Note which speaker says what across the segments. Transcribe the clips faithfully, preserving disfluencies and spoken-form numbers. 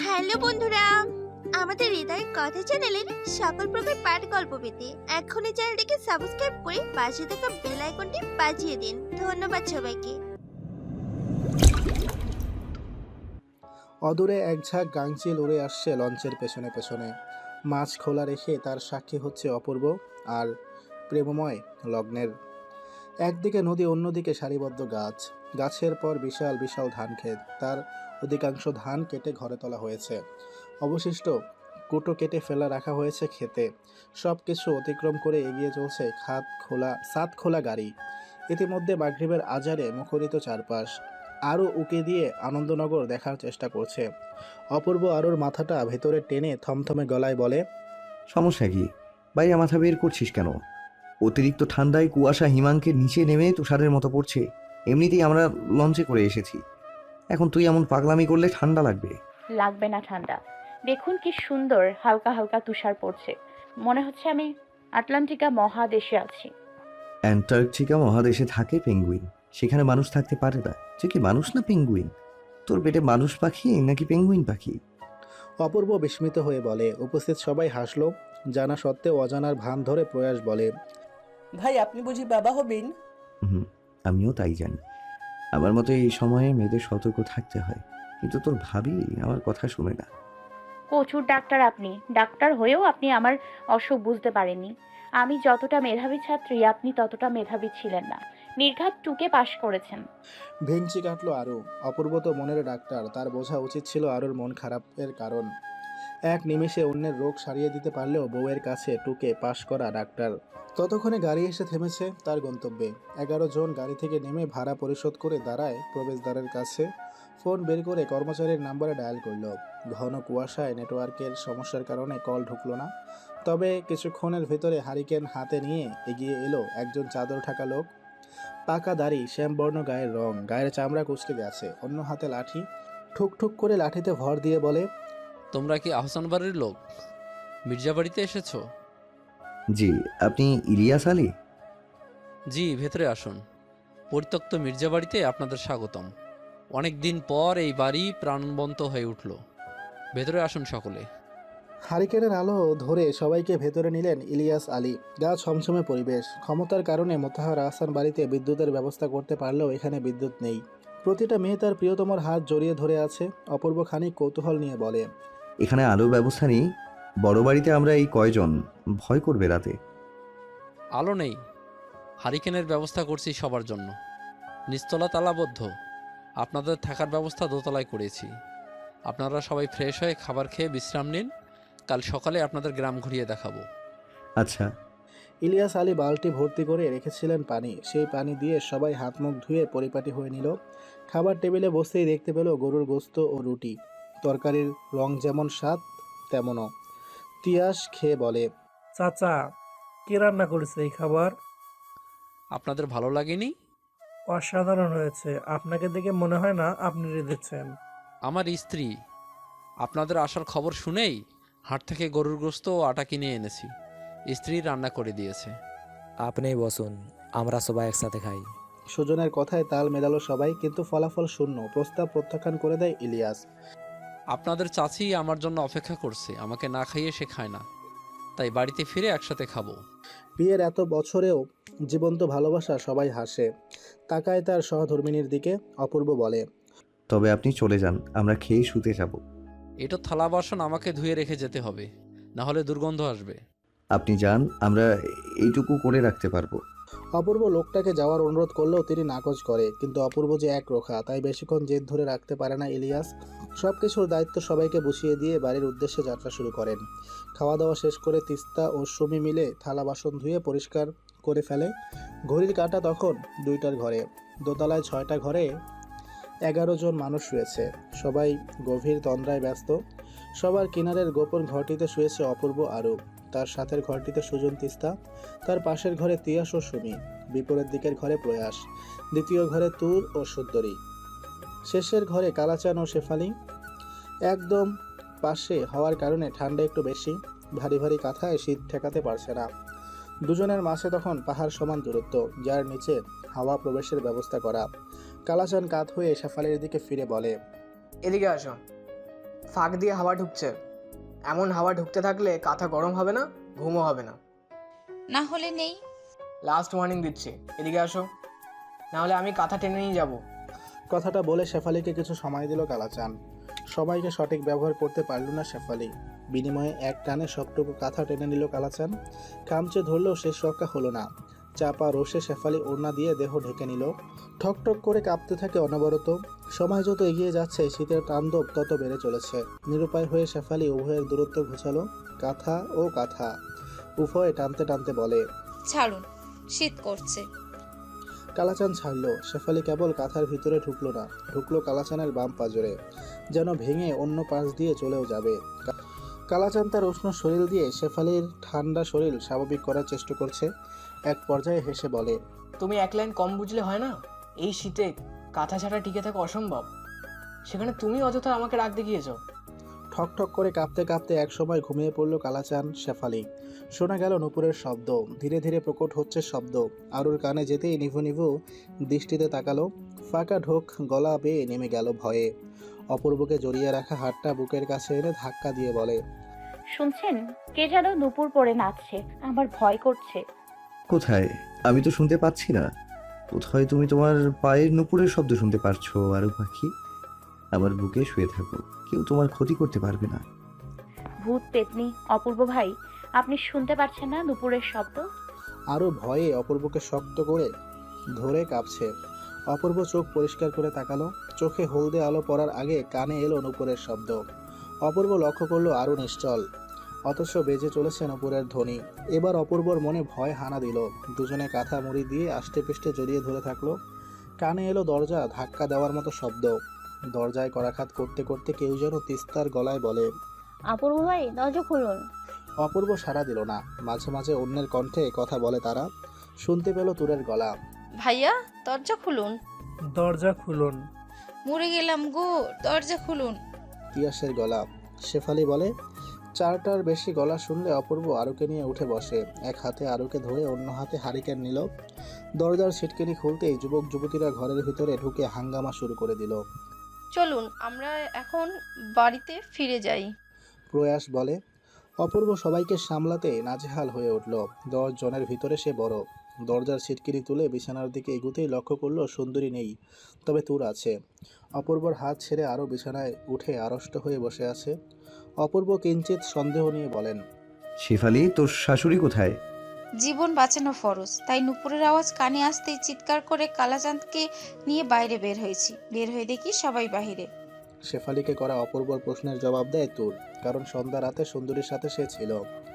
Speaker 1: Hello বন্ধুরা, আমাদের হৃদয় কথা চ্যানেলের সকল প্রকার পাঠ গল্প পেতে এখনই চ্যানেলটিকে সাবস্ক্রাইব করে পাশে থাকা বেল আইকনটি বাজিয়ে দিন। ধন্যবাদ সবাইকে।
Speaker 2: অদূরে এক ঝাঁক গাংচিল উড়ে আসছে লঞ্চের পেছনে পেছনে। মাছ খোলা রেখে তার সাক্ষী হচ্ছে অপূর্ব আর প্রেমময় লগ্নের। একদিকে নদী, অন্যদিকে সারিবদ্ধ গাছ, গাছের পর বিশাল বিশাল ধান ক্ষেত। তার অধিকাংশ ধান কেটে ঘরে তোলা হয়েছে, অবশিষ্ট কুটো কেটে ফেলা রাখা হয়েছে খেতে। সব কিছু অতিক্রম করে এগিয়ে চলছে খাত খোলা সাত খোলা গাড়ি। ইতিমধ্যে মাগরিবের আজারে মুখরিত চারপাশ। আরও উকি দিয়ে আনন্দনগর দেখার চেষ্টা করছে। অপূর্ব আরুর মাথাটা ভেতরে টেনে থমথমে গলায় বলে,
Speaker 3: সমস্যা কি? বাইরে মাথা বের করছিস কেন? অতিরিক্ত ঠান্ডায় কুয়াশা হিমাঙ্কের নিচে নেমে তুষারের মতো পড়ছে। এমনিতেই আমরা লঞ্চে করে এসেছি, এখন তুই এমন পাগলামি করলে ঠান্ডা লাগবে।
Speaker 4: লাগবে না ঠান্ডা। দেখুন কি সুন্দর হালকা হালকা তুষার পড়ছে, মনে হচ্ছে আমি আটলান্টিকা মহাদেশে আছি।
Speaker 3: অ্যান্টার্কটিকা মহাদেশে থাকে পেঙ্গুইন, সেখানে মানুষ থাকতে পারে না। সে কি মানুষ না পেঙ্গুইন? তোর পেটে মানুষ পাখি নাকি পেঙ্গুইন পাখি?
Speaker 2: অপূর্ব বিস্মিত হয়ে বলে। উপস্থিত সবাই হাসলো। জানা সত্ত্বেও অজানার ভান ধরে প্রয়াস বলে,
Speaker 5: ভাই আপনি বুঝি বাবা হবেন?
Speaker 3: হুম, আমিও তাই জানি। আমার মতো এই সময়ে মেয়েদের সতর্ক থাকতে হয়, কিন্তু তোর ভাবি আমার কথা শুনে না।
Speaker 4: প্রচুর ডাক্তার আপনি, ডাক্তার হয়েও আপনি আমার অসুখ বুঝতে পারেননি। আমি যতটা মেধাবী ছাত্রী আপনি ততটা মেধাবী ছিলেন না। নির্ঘাত টুকে পাশ করেছেন।
Speaker 2: ভেঙচি কাটলো আরু। অপূর্ব তো মনের ডাক্তার, তার বোঝা উচিত ছিল আরুর মন খারাপের কারণ। এক নিমেষে অন্যের রোগ সারিয়ে দিতে পারলেও বউয়ের কাছে টুকে পাশ করা ডাক্তার। ততক্ষণে গাড়ি এসে থেমেছে তার গন্তব্যে। এগারো জন গাড়ি থেকে নেমে ভাড়া পরিশোধ করে দাঁড়ায় প্রবেশদ্বারের কাছে। ফোন বের করে কর্মচারীর নাম্বারে ডায়াল করলো। ঘন কুয়াশায় নেটওয়ার্কের সমস্যার কারণে কল ঢুকলো না। তবে কিছুক্ষণের ভেতরে হারিকেন হাতে নিয়ে এগিয়ে এলো একজন চাদর ঢাকা লোক। পাকা দাড়ি, শ্যামবর্ণ গায়ের রং, গায়ের চামড়া কুচকে গেছে, অন্য হাতে লাঠি। ঠুক ঠুক করে লাঠিতে ভর দিয়ে বলে,
Speaker 6: তোমরা কি আহসান বাড়ির লোক? মির্জা বাড়িতে এসেছো?
Speaker 3: জি, আপনি ইলিয়াস আলী?
Speaker 6: জি, ভেতরে আসুন। পরিত্যক্ত মির্জা বাড়িতে আপনাদের স্বাগতম। অনেক দিন পর এই বাড়ি প্রাণবন্ত হয়ে উঠল। ভেতরে আসুন সকলে।
Speaker 2: হারিকেনের আলো ধরে সবাইকে ভেতরে নিলেন ইলিয়াস আলী। গা ছমছমে পরিবেশ। ক্ষমতার কারণে মোতাহার আহসান বাড়িতে বিদ্যুতের ব্যবস্থা করতে পারলেও এখানে বিদ্যুৎ নেই। প্রতিটা মেয়ে তার প্রিয়তমার হাত জড়িয়ে ধরে আছে। অপূর্ব খানিক কৌতূহল নিয়ে বলে,
Speaker 3: এখানে আলোর ব্যবস্থা নেই? বড় বাড়িতে আমরা এই কয়জন, ভয় করবে রাতে।
Speaker 6: আলো নেই, হারিকেনের ব্যবস্থা করছি সবার জন্য। নিচতলা তালাবদ্ধ, আপনাদের থাকার ব্যবস্থা দোতলায় করেছি। আপনারা সবাই ফ্রেশ হয়ে খাবার খেয়ে বিশ্রাম নিন। কাল সকালে আপনাদের গ্রাম ঘুরিয়ে দেখাবো।
Speaker 3: আচ্ছা।
Speaker 2: ইলিয়াস আলী বালতি ভর্তি করে রেখেছিলেন পানি। সেই পানি দিয়ে সবাই হাত মুখ ধুয়ে পরিপাটি হয়ে নিল। খাবার টেবিলে বসতেই দেখতে পেল গরুর গোস্ত ও রুটি। তরকারির রং যেমন স্বাদ তেমনও। তিয়াস খেয়ে বলে,
Speaker 7: চাচা, কে রান্না করেছে এই খাবার?
Speaker 6: আপনাদের ভালো লাগেনি?
Speaker 7: অসাধারণ হয়েছে। আপনাকে দেখে মনে হয় না আপনি রেঁধেছেন।
Speaker 6: আমার স্ত্রী, আপনাদের আসার খবর শুনেই হাট থেকে গরুর গোস্ত ও আটা কিনে এনেছি। স্ত্রী রান্না করে দিয়েছে।
Speaker 8: আপনিই বসুন, আমরা সবাই একসাথে খাই।
Speaker 2: সুজনের কথায় তাল মেলালো সবাই, কিন্তু ফলাফল শূন্য। প্রস্তাব প্রত্যাখ্যান করে দেয় ইলিয়াস।
Speaker 6: আপনাদের চাচি আমার জন্য অপেক্ষা করছে, আমাকে না খাইয়ে সে খায় না, তাই বাড়িতে ফিরে একসাথে খাবো।
Speaker 2: বিয়ের এত বছরেও জীবন্ত ভালোবাসা। সবাই হাসে, তাকায় তার সহধর্মিনীর দিকে। অপূর্ব বলে,
Speaker 3: তবে আপনি চলে যান, আমরা খেয়ে শুতে যাব।
Speaker 6: এটা থালা বাসন আমাকে ধুয়ে রেখে যেতে হবে, না হলে দুর্গন্ধ আসবে।
Speaker 3: আপনি যান, আমরা এইটুকু করে রাখতে পারবো।
Speaker 2: অপূর্ব লোকটাকে যাওয়ার অনুরোধ করলেও তিনি নাকচ করে। কিন্তু অপূর্ব যে এক রোখা, তাই বেশিক্ষণ জেদ ধরে রাখতে পারে না ইলিয়াস। সব কিছুর দায়িত্ব সবাইকে বুঝিয়ে দিয়ে বাড়ির উদ্দেশ্যে যাত্রা শুরু করেন। খাওয়া দাওয়া শেষ করে তিস্তা ও সুমি মিলে থালা বাসন ধুয়ে পরিষ্কার করে ফেলে। ঘড়ির কাঁটা তখন দুইটার ঘরে। দোতলায় ছয়টা ঘরে এগারো জন মানুষ শুয়েছে। সবাই গভীর তন্দ্রায় ব্যস্ত। সবার কিনারের গোপন ঘরটিতে শুয়েছে অপূর্ব আরু। তার সাথের ঘরটিতে সুজন, তিস্তা। তার পাশের ঘরে তিয়াস ও সুমি। বিপরীত দিকের ঘরে প্রয়াস। দ্বিতীয় ঘরে তুর ও সুন্দরী। শেষের ঘরে কালাচান ও শেফালি। একদম পাশে হওয়ার কারণে ঠান্ডা একটু বেশি। ভারী ভারী কাঁথায় শীত ঠেকাতে পারছে না। দুজনের মাঝে তখন পাহাড় সমান দূরত্ব, যার নিচে হাওয়া প্রবেশের ব্যবস্থা করা। কালাচান কাত হয়ে শেফালির দিকে ফিরে বলে,
Speaker 5: এদিকে আসো।
Speaker 9: ফাঁক দিয়ে হাওয়া ঢুকছে। এমন হাওয়া ঢুকতে থাকলে কাঁথা গরম হবে না, ঘুমও হবে না।
Speaker 10: না হলে নেই।
Speaker 9: লাস্ট ওয়ার্নিং দিচ্ছি, এদিকে আসো, না হলে আমি কাঁথা টেনে নিয়ে যাব।
Speaker 2: কথাটা বলে শেফালিকে কিছু সময় দিল কালাচান। সবাইকে সঠিক ব্যবহার করতে পারল না শেফালি। বিনিময়ে এক টানে সবটুকু কাঁথা টেনে নিল কালাচান। কামচে ধরলেও শেষ রক্ষা হলো না। চাপা রোষে শেফালি ওড়না দিয়ে দেহ ঢেকে নিল। ঠকঠক করে কাঁপতে থাকে অনবরত। সময় যত এগিয়ে যাচ্ছে শীতের তাণ্ডব তত বেড়ে চলেছে। নিরুপায় হয়ে শেফালি উভয়ের দূরত্ব ঘুচালো। কাঁথা ও কাঁথা উভয়ে টানতে টানতে বলে,
Speaker 10: ছাড়ুন, শীত করছে।
Speaker 2: কালাচান ছাড়লো। শেফালি কেবল কাঁথার ভিতরে ঢুকলো না, ঢুকলো কালাচানের বাম পাজরে, যেন ভেঙে অন্য পাশ দিয়ে চলেও যাবে। কালাচান তার উষ্ণ শরীর দিয়ে শেফালির ঠান্ডা শরীর স্বাভাবিক করার চেষ্টা করছে। এক পর্যায়ে হেসে বলে,
Speaker 9: তুমি এক লাইন কম বুঝলে হয় না? এই শীতে কাঁথা ছাড়া টিকে থাকা অসম্ভব, সেখানে তুমি অযথা আমাকে রাগ দেখিয়েছ।
Speaker 2: ঠক ঠক করে কাঁপতে কাঁপতে একসময় ঘুমিয়ে পড়ল কালাচান শেফালি। শোনা গেল নুপুরের শব্দ, ধীরে ধীরে প্রকট হচ্ছে শব্দ। আরুর কানে যেতেই নিভু নিভু দৃষ্টিতে তাকালো। ফাঁকা ঢোক গলা বেয়ে নেমে গেল ভয়ে। অপূর্বকে জড়িয়ে রাখা হাতটা বুকের কাছে এনে ধাক্কা দিয়ে বলে,
Speaker 4: শুনছেন? কে যেন নুপুর পরে নাচছে, আমার ভয় করছে।
Speaker 3: কোথায়? আমি তো শুনতে পাচ্ছি না। কোথায় তুমি তোমার পায়ের নুপুরের শব্দ শুনতে পারছো? আরু পাখি, আমার বুকে শুয়ে থাকো, কেউ তোমার ক্ষতি করতে পারবে না।
Speaker 4: ভূত পেতনি, অপূর্ব ভাই, আপনি শুনতে পাচ্ছেন না নুপুরের শব্দ?
Speaker 2: আরও ভয়ে অপূর্বকে শক্ত করে ধরে কাঁপছে। অপূর্ব চোখ পরিষ্কার করে তাকালো। চোখে হলদে আলো পড়ার আগে কানে এলো নুপুরের শব্দ। অপূর্ব লক্ষ্য করলো আরও নিশ্চল, অথচ বেজে চলেছে নুপুরের ধ্বনি। এবার অপূর্বর মনে ভয় হানা দিল। দুজনে কাঁথা মুড়ি দিয়ে আষ্টে পৃষ্ঠে জড়িয়ে ধরে থাকলো। কানে এলো দরজা ধাক্কা দেওয়ার মতো শব্দ। দরজায় করাঘাত করতে করতে কেউ যেন তিস্তার গলায় বলে,
Speaker 11: অপূর্ব ভাই, দরজা খুলুন।
Speaker 2: অপূর্ব সাড়া দিল না। মাঝে মাঝে অন্যের কণ্ঠে কথা বলে তারা। শুনতে পেল তুরের গলা,
Speaker 10: ভাইয়া, দরজা খুলুন।
Speaker 7: দরজা খুলুন।
Speaker 10: মরে গেলাম গো, দরজা খুলুন।
Speaker 2: তিয়াসের গলা। শেফালি বলে। চারটার বেশি গলা শুনলে অপূর্ব আরুকে নিয়ে উঠে বসে। এক হাতে আরুকে ধরে অন্য হাতে হারিকেন নিল। দরজার ছিটকিনি খুলতেই যুবক যুবতীরা ঘরের ভিতরে ঢুকে হাঙ্গামা শুরু করে দিল।
Speaker 10: চলুন আমরা এখন বাড়িতে ফিরে যাই।
Speaker 2: প্রয়াস বলে। অপূর্ব সবাইকে সামলাতে নাজেহাল হয়ে উঠল। দশ জনের ভিতরে সে বড়। দরজার ছিটকিনি তুলে বিছানার দিকে এগুতেই লক্ষ্য করলো সুন্দরী নেই, তবে তুর আছে। অপূর্বর হাত ছেড়ে আরও বিছানায় উঠে আড়ষ্ট হয়ে বসে আছে। অপূর্ব কিঞ্চিত সন্দেহ নিয়ে বলেন,
Speaker 3: শেফালি, তোর শাশুড়ি কোথায়?
Speaker 10: জীবন বাঁচানো ফরজ, তাই নুপুরের আওয়াজ কানে আসতেই চিৎকার করে কালাচাঁদকে নিয়ে বাইরে বের হয়েছি। বের হয়ে দেখি সবাই বাহিরে।
Speaker 2: শেফালিকে করা অপূর্বর প্রশ্নের জবাব দেয় তুর, কারণ সন্ধ্যা রাতে সুন্দরীর সাথে সে ছিল।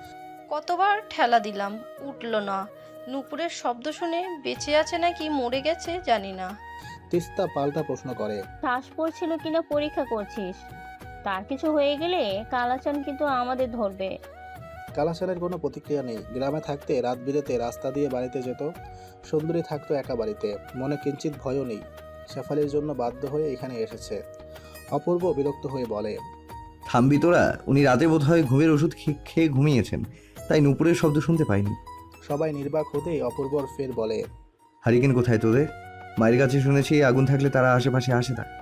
Speaker 10: কতবার ঠেলা দিলাম, উঠল না। নুপুরের শব্দ শুনে বেঁচে আছে নাকি মরে গেছে জানি না।
Speaker 2: তিস্তা পাল্টা প্রশ্ন করে,
Speaker 11: শ্বাস পড়ছিল কিনা পরীক্ষা করছিস? তার কিছু হয়ে গেলে কালাচান কিন্তু আমাদের ধরবে।
Speaker 2: কালাচানের কোনো প্রতিক্রিয়া নেই। গ্রামে থাকতে রাত বিরেতে রাস্তা দিয়ে বাড়িতে যেত। সুন্দরী থাকতো একা বাড়িতে, মনে কিঞ্চিত ভয়ও নেই। শেফালির জন্য বাধ্য হয়ে এখানে এসেছে। অপূর্ব বিরক্ত হয়ে বলে,
Speaker 3: থামবি তোরা? উনি রাতে বোধহয় ঘুমের ওষুধ খেয়ে ঘুমিয়েছেন, তাই নুপুরের শব্দ শুনতে পাইনি।
Speaker 2: সবাই নির্বাক হতেই অপূর্বর ফের বলে,
Speaker 3: হারিকেন কোথায় তোদের? মায়ের কাছে শুনেছি আগুন থাকলে তারা আশেপাশে আসে না।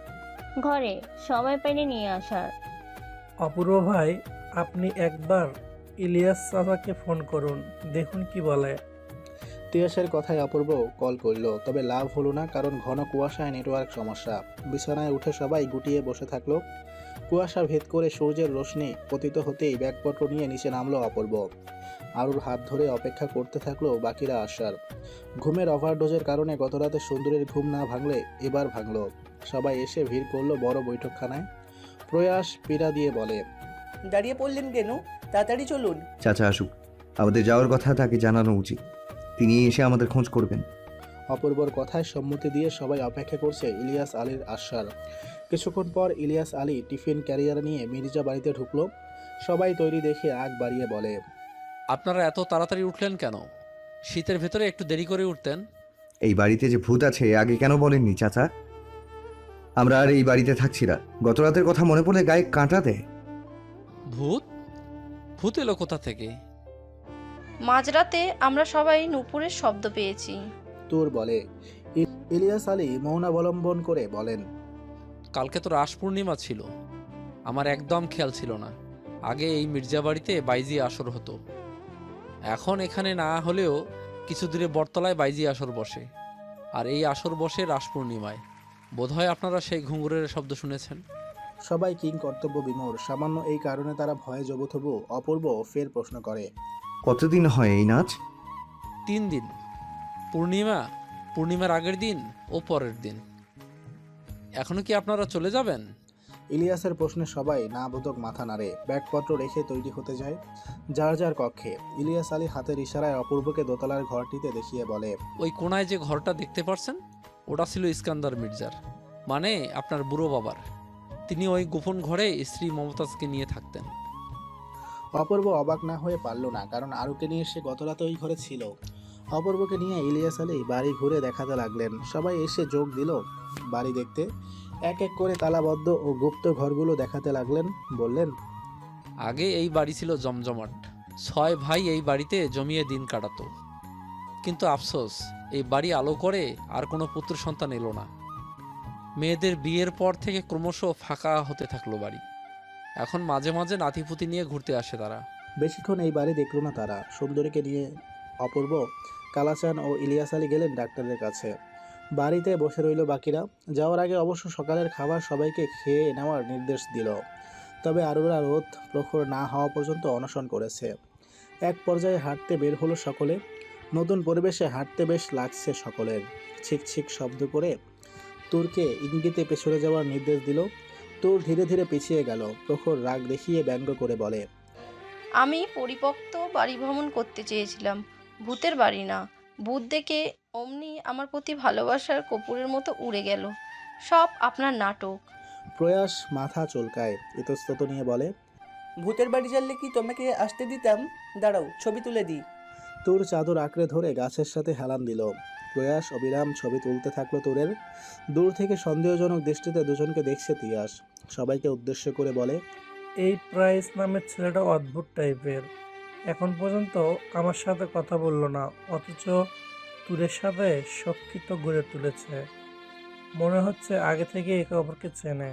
Speaker 11: ঘরে সময় পাইনি নিয়ে আসার।
Speaker 7: অপূর্ব ভাই, আপনি একবার ইলিয়াস চাচাকে ফোন করুন, দেখুন কি বলে।
Speaker 2: তিয়াসের কথায় অপূর্ব কল করল, তবে লাভ হলো না, কারণ ঘন কুয়াশায় নেটওয়ার্ক সমস্যা। বিছানায় উঠে সবাই গুটিয়ে বসে থাকলো। কুয়াশা ভেদ করে সূর্যের রোশনি পতিত হতেই ব্যাগপত্র নিয়ে নিচে নামলো অপূর্ব। আরুর হাত ধরে অপেক্ষা করতে থাকলো বাকিরা আসার। ঘুমের ওভারডোজের কারণে গতরাতে সুন্দরীর ঘুম না ভাঙলে এবার ভাঙলো। সবাই এসে ভিড় করলো বড় বৈঠকখানায়। প্রয়াস পীড়া দিয়ে বলে,
Speaker 5: দাঁড়িয়ে পড়লেন কেন? তাড়াতাড়ি চলুন।
Speaker 3: চাচা আসুক, আমাদের যাওয়ার কথা তাকে জানানো উচিত। তিনি এসে আমাদের খোঁজ করবেন।
Speaker 2: অপূর্বর কথায় সম্মতি দিয়ে সবাই অপেক্ষা করছে ইলিয়াস আলীর আসার। কিছুক্ষণ পর ইলিয়াস আলী টিফিন ক্যারিয়ার নিয়ে মির্জা বাড়িতে ঢুকলো। সবাই তৈরি দেখে আগ বাড়িয়ে বলে,
Speaker 6: আপনারা এত তাড়াতাড়ি উঠলেন কেন? শীতের ভেতরে একটু দেরি করে উঠতেন।
Speaker 3: এই বাড়িতে যে ভূত আছে আগে কেন বলেননি চাচা? আমরা আর এই বাড়িতে থাকছি না। গত রাতের কথা মনে পড়লে গায়ে কাঁটা দেয়।
Speaker 6: ভূত? ভূত এলো কোথা থেকে?
Speaker 10: মাঝরাতে আমরা সবাই নুপুরের শব্দ পেয়েছি।
Speaker 2: তুর বলে। ইলিয়াস আলী মৌন অবলম্বন করে বলেন,
Speaker 6: কালকে তো রাস পূর্ণিমা ছিল, আমার একদম খেয়াল ছিল না। আগে এই মির্জা বাড়িতে বাইজি আসর হতো। এখন এখানে না হলেও কিছু দূরে বটতলায় বাইজি আসর বসে, আর এই আসর বসে রাস পূর্ণিমায়। বোধহয় আপনারা সেই ঘুঙুরের শব্দ শুনেছেন।
Speaker 2: সবাই কিং কর্তব্য বিমূঢ়। সামান্য এই কারণে তারা ভয়ে জবুথবু। অপূর্ব ফের প্রশ্ন করে,
Speaker 3: কতদিন হয় এই নাচ?
Speaker 6: তিন দিন, পূর্ণিমা, পূর্ণিমার আগের দিন ও পরের দিন। এখনো কি আপনারা চলে যাবেন?
Speaker 2: ইলিয়াসের প্রশ্নে সবাই না বোধক মাথা নাড়ে। ব্যাগপত্র রেখে তৈরি হতে যায় যার যার কক্ষে। ইলিয়াস আলী হাতের ইশারায় অপূর্বকে দোতলার ঘরটিতে দেখিয়ে বলে,
Speaker 6: ওই কোনায় যে ঘরটা দেখতে পারছেন, ওটা ছিল ইস্কান্দার মির্জার, মানে আপনার বুড়ো বাবার। তিনি ওই গোপন ঘরে স্ত্রী মমতাজকে নিয়ে থাকতেন।
Speaker 2: অপূর্ব অবাক না হয়ে পারল না, কারণ আরুকে নিয়ে সে গতরাতে ওই ঘরে ছিল। অপূর্বকে নিয়ে ইলিয়াস আলী বাড়ি ঘুরে দেখাতে লাগলেন। সবাই এসে যোগ দিল বাড়ি দেখতে। এক এক করে তালাবদ্ধ ও গুপ্ত ঘরগুলো দেখাতে লাগলেন। বললেন,
Speaker 6: আগে এই বাড়ি ছিল জমজমাট। ছয় ভাই এই বাড়িতে জমিয়ে দিন কাটাতো। কিন্তু আফসোস, এই বাড়ি আলো করে আর কোনো পুত্র সন্তান এলো না। মেয়েদের বিয়ের পর থেকে ক্রমশ ফাঁকা হতে থাকলো বাড়ি। এখন মাঝে মাঝে নাতিপুতি নিয়ে ঘুরতে আসে তারা।
Speaker 2: বেশিক্ষণ এই বাড়ি দেখল না তারা। সুন্দরীকে নিয়ে অপূর্ব, কালাচান ও ইলিয়াস আলী গেলেন ডাক্তারের কাছে। বাড়িতে বসে রইল বাকিরা। যাওয়ার আগে অবশ্য সকালের খাবার সবাইকে খেয়ে নেওয়ার নির্দেশ দিল। তবে আরুরা রোদ প্রখর না হওয়া পর্যন্ত অনশন করেছে। এক পর্যায়ে হাঁটতে বের হলো সকলে। নতুন পরিবেশে হাঁটতে বেশ লাগছে সকলের। ছিক ছিক শব্দ করে তুরকে ইঙ্গিতে পেছনে যাওয়ার নির্দেশ দিল। তুর ধীরে ধীরে পিছিয়ে গেল। প্রখর রাগ দেখিয়ে ব্যঙ্গ করে বলে,
Speaker 10: আমি পরিপক্ত বাড়ি ভ্রমণ করতে চেয়েছিলাম, ভূতের বাড়ি না। ভূত দেখে অমনি আমার প্রতি ভালোবাসার কপুরের মতো উড়ে গেল। সব আপনার নাটক।
Speaker 2: প্রয়াস মাথা চুলকায়, ইতস্তত নিয়ে বলে,
Speaker 5: ভূতের বাড়ি জানলে কি তোমাকে আসতে দিতাম? দাঁড়াও, ছবি তুলে দিই।
Speaker 2: তুর চাদর আঁকড়ে ধরে গাছের সাথে হেলান দিল। প্রয়াস অবিরাম ছবি তুলতে থাকলো তুরের। দূর থেকে সন্দেহজনক দৃষ্টিতে দুজনকে দেখছে তিয়াস। সবাইকে উদ্দেশ্য করে বলে,
Speaker 7: এই প্রাইস নামের ছেলেটা অদ্ভুত টাইপের। এখন পর্যন্ত আমার সাথে কথা বললো না, অথচ তুরের সাথে সক্ষিত গড়ে তুলেছে। মনে হচ্ছে আগে থেকে একে অপরকে চেনে।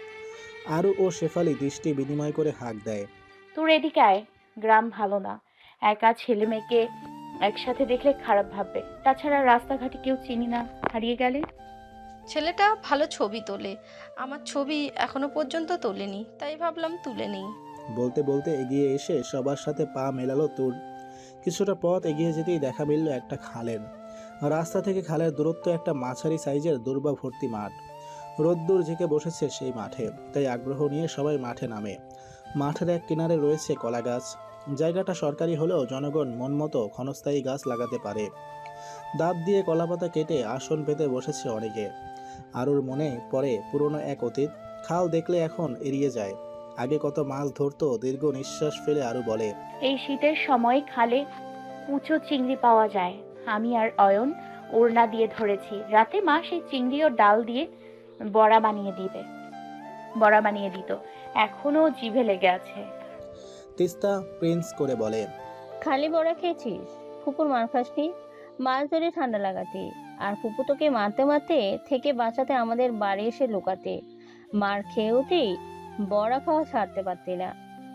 Speaker 2: আরু ও শেফালি দৃষ্টি বিনিময় করে হাঁক দেয়।
Speaker 4: তোর এদিকে আয়, গ্রাম ভালো না। একা ছেলে মেয়েকে একসাথে দেখলে খারাপ ভাববে। তাছাড়া রাস্তাঘাটে কেউ চিনি না, হারিয়ে গেলে।
Speaker 10: ছেলেটা ভালো ছবি তোলে, আমার ছবি এখনো পর্যন্ত তোলেনি, তাই ভাবলাম তুলে নেই।
Speaker 2: বলতে বলতে এগিয়ে এসে সবার সাথে পা মেলালো তুর। কিছুটা পথ এগিয়ে যেতেই দেখা মিলল একটা খালের। রাস্তা থেকে খালের দূরত্ব একটা মাঝারি সাইজের দুর্বা ভর্তি মাঠ। রোদ্দুর ঝেঁকে বসেছে সেই মাঠে, তাই আগ্রহ নিয়ে সবাই মাঠে নামে। মাঠের এক কিনারে রয়েছে কলা গাছ। জায়গাটা সরকারি হলেও জনগণ মন মতো ক্ষণস্থায়ী গাছ লাগাতে পারে। দাঁত দিয়ে কলাপাতা কেটে আসন পেতে বসেছে অনেকে। আরুর মনে পড়ে পুরনো এক অতীত। খাল দেখলে এখন এড়িয়ে যায়। আগে কত মাছ ধরতো। দীর্ঘ নিঃশ্বাস ফেলে আরু বলে,
Speaker 4: এই শীতের সময় খালে কুচো চিংড়ি পাওয়া যায়। আমি আর অয়ন ওড়না দিয়ে ধরেছি। রাতে মা সেই চিংড়ি ও ডাল দিয়ে বড়া বানিয়ে দিবে বড়া বানিয়ে দিত, এখনো জিভে লেগে আছে।
Speaker 2: তিস্তা প্রিন্স করে বলে,
Speaker 11: খালি বড়া খেয়েছিস? ফুপুর মার খাসনি? মাছ ধরে ঠান্ডা লাগাতে, আর ফুপু তোকে মারতে মারতে থেকে বাঁচাতে আমাদের বাড়ি এসে লুকাতে। মার খেয়েওতেই বড়া খাওয়া ছাড়তে পারতি না।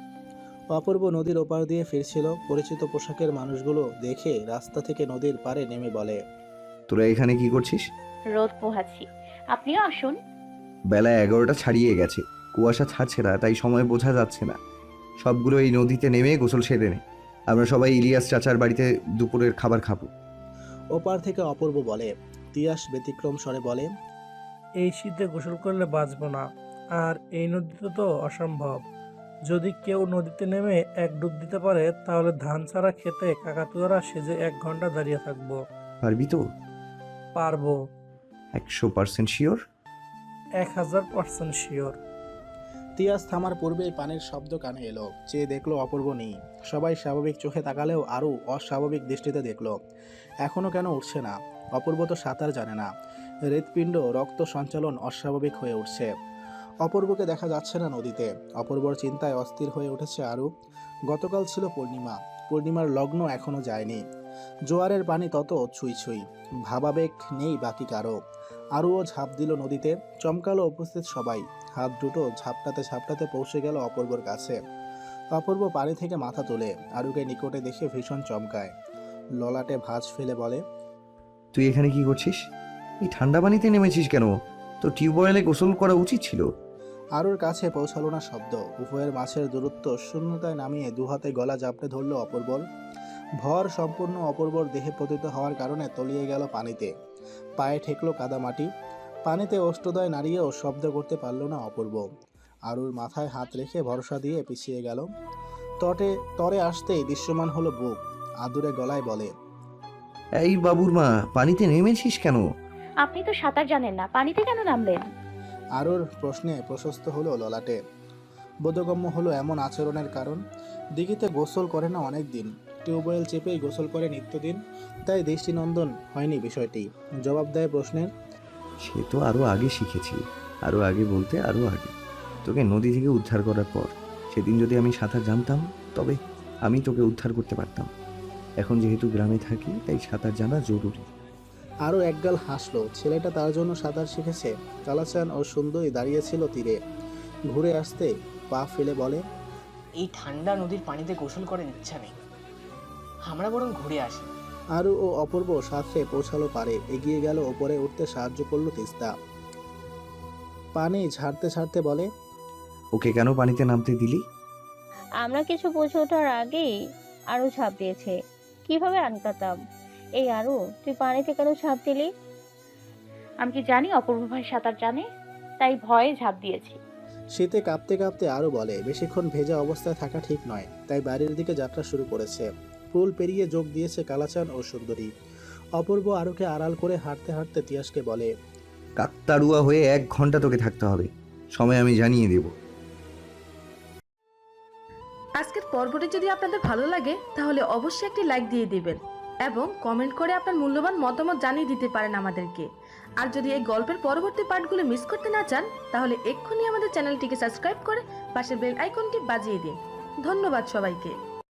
Speaker 2: অপূর্ব নদীর ওপার দিয়ে ফিরছিল। পরিচিত পোশাকের মানুষগুলো দেখে রাস্তা থেকে নদীর পাড়ে নেমে বলে,
Speaker 3: তোরা এখানে কি করছিস?
Speaker 4: রোদ পোহাচ্ছি, আপনিও আসুন।
Speaker 3: বেলা এগারোটা ছাড়িয়ে গেছে, কুয়াশা ছাড়ছে না, তাই সময় বোঝা যাচ্ছে না। সবগুলো এই নদীতে নেমে গোসল সেরে নে। আমরা সবাই ইলিয়াস চাচার বাড়িতে দুপুরের খাবার খাবো।
Speaker 2: ওপার থেকে অপূর্ব বলে। তিয়াস ব্যতিক্রম স্বরে বলে,
Speaker 7: এই শীতে গোসল করলে বাঁচবো না, আর এই নদীতে তো অসম্ভব। যদি কেউ নদীতে নেমে এক ডুব দিতে পারে, তাহলে ধান ছাড়া খেতে কাকাতুয়ারা সেজে এক ঘন্টা দাঁড়িয়ে থাকবো।
Speaker 3: পারবি তো?
Speaker 7: পারবো,
Speaker 3: একশো পার্সেন্ট শিওর?
Speaker 7: এক হাজার পার্সেন্ট শিওর।
Speaker 2: তিয়াস থামার পূর্বেই পানির শব্দ কানে এলো। চেয়ে দেখলো অপূর্ব নেই। সবাই স্বাভাবিক চোখে তাকালেও আরও অস্বাভাবিক দৃষ্টিতে দেখলো। এখনও কেন উঠছে না? অপূর্ব তো সাঁতার জানে না। হৃৎপিণ্ড রক্ত সঞ্চালন অস্বাভাবিক হয়ে উঠছে। অপূর্বকে দেখা যাচ্ছে না নদীতে। অপূর্বর চিন্তায় অস্থির হয়ে উঠেছে আরও। গতকাল ছিল পূর্ণিমা। পূর্ণিমার লগ্ন এখনও যায়নি। জোয়ারের পানি তত ছুঁই ছুঁই। ভাবাবেগ নেই বাকি কারো। আরুও ঝাঁপ দিল নদীতে। চমকালো উপস্থিত সবাই। হাত দুটো ঝাপটাতে ঝাপটাতে পৌঁছে গেল অপূর্বর কাছে। অপূর্ব পানি থেকে মাথা তুলে আরুকে নিকটে দেখে ভীষণ চমকায়। ললাটে ভাঁজ ফেলে বলে,
Speaker 3: তুই এখানে কি করছিস? এই ঠান্ডা পানিতে নেমেছিস কেন? তো টিউবওয়েলে গোসল করা উচিত ছিল।
Speaker 2: আরুর কাছে পৌঁছালো না শব্দ। উভয়ের মাঝের দূরত্ব শূন্যতায় নামিয়ে দুহাতে গলা জাপটে ধরল অপূর্বর। ভর সম্পূর্ণ অপূর্বর দেহে পতিত হওয়ার কারণে তলিয়ে গেল পানিতে। পায়ে ঠেকলো কাদামাটি। পানিতে অষ্টদয় নাড়িয়েও শব্দ করতে পারল না অপূর্ব। আরুর মাথায় হাত রেখে ভরসা দিয়ে পিছিয়ে গেল। তটে তরে আসতেই দৃশ্যমান হলো বুক। আদুরে গলায় বলে,
Speaker 3: এই বাবুর মা, পানিতে নেমেছিস কেন?
Speaker 4: আপনি তো সাঁতার জানেন না, পানিতে কেন নামলেন?
Speaker 2: আরুর প্রশ্নে প্রশস্ত হলো ললাটে। বোধগম্য হলো এমন আচরণের কারণ। দিঘিতে গোসল করে না অনেক দিন, টিউবওয়েল চেপেই গোসল করে নিত্যদিন, তাই দৃষ্টিনন্দন হয়নি বিষয়টি। জবাব দেয় প্রশ্নের,
Speaker 3: সে তো আরো আগে শিখেছি। আরো আগে বলতে আরো আগে, তোকে নদী থেকে উদ্ধার করার পর। সেদিন যদি আমি সাঁতার জানতাম তবে আমি তোকে উদ্ধার করতে পারতাম। এখন যেহেতু গ্রামে থাকি তাই সাঁতার জানা জরুরি।
Speaker 2: আরও একগাল হাসলো। ছেলেটা তার জন্য সাঁতার শিখেছে। কালাচান ও সুন্দরী দাঁড়িয়েছিল তীরে। ঘুরে আসতে পা ফেলে বলে,
Speaker 9: এই ঠান্ডা নদীর পানিতে গোসল করার ইচ্ছা নেই, আমরা বরং ঘুরে আসি।
Speaker 2: আরু ও অপূর্ব সাথে পৌঁছালো পারে। এগিয়ে গেল, ওপরে উঠতে সাহায্য করলো তিস্তা। পানি ঝাড়তে ছাড়তে বলে,
Speaker 3: ওকে কেন পানিতে নামতে দিলি?
Speaker 11: আমরা কিছু বুঝে ওঠার আগেই আরও ঝাঁপ দিয়েছে। কিভাবে আটকাতাম? এই আরও, তুই পানিতে কেন ঝাঁপ দিলি?
Speaker 4: আমি কি জানি অপূর্ব ভাই সাঁতার জানে, তাই ভয়ে ঝাঁপ দিয়েছি।
Speaker 2: শীতে কাঁপতে কাঁপতে আরও বলে, বেশিক্ষণ ভেজা অবস্থায় থাকা ঠিক নয়, তাই বাড়ির দিকে যাত্রা শুরু করেছে। পুল পেরিয়ে যোগ দিয়েছে কালাচান ও সুন্দরী। অপূর্ব আরুকে আড়াল করে হাঁটতে হাঁটতে তিয়াসকে বলে,
Speaker 3: কাকতাড়ুয়া হয়ে এক ঘন্টা তোকে থাকতে হবে, সময় আমি জানিয়ে দেব।
Speaker 12: আজকের পর্বটি যদি আপনাদের ভালো লাগে তাহলে অবশ্যই একটি লাইক দিয়ে দিবেন এবং কমেন্ট করে আপনার মূল্যবান মতামত জানিয়ে দিতে পারেন আমাদেরকে। আর যদি এই গল্পের পরবর্তী পার্টগুলো মিস করতে না চান তাহলে এক্ষুনি আমাদের চ্যানেলটিকে সাবস্ক্রাইব করে পাশের বেল আইকনটি বাজিয়ে দিন। ধন্যবাদ সবাইকে।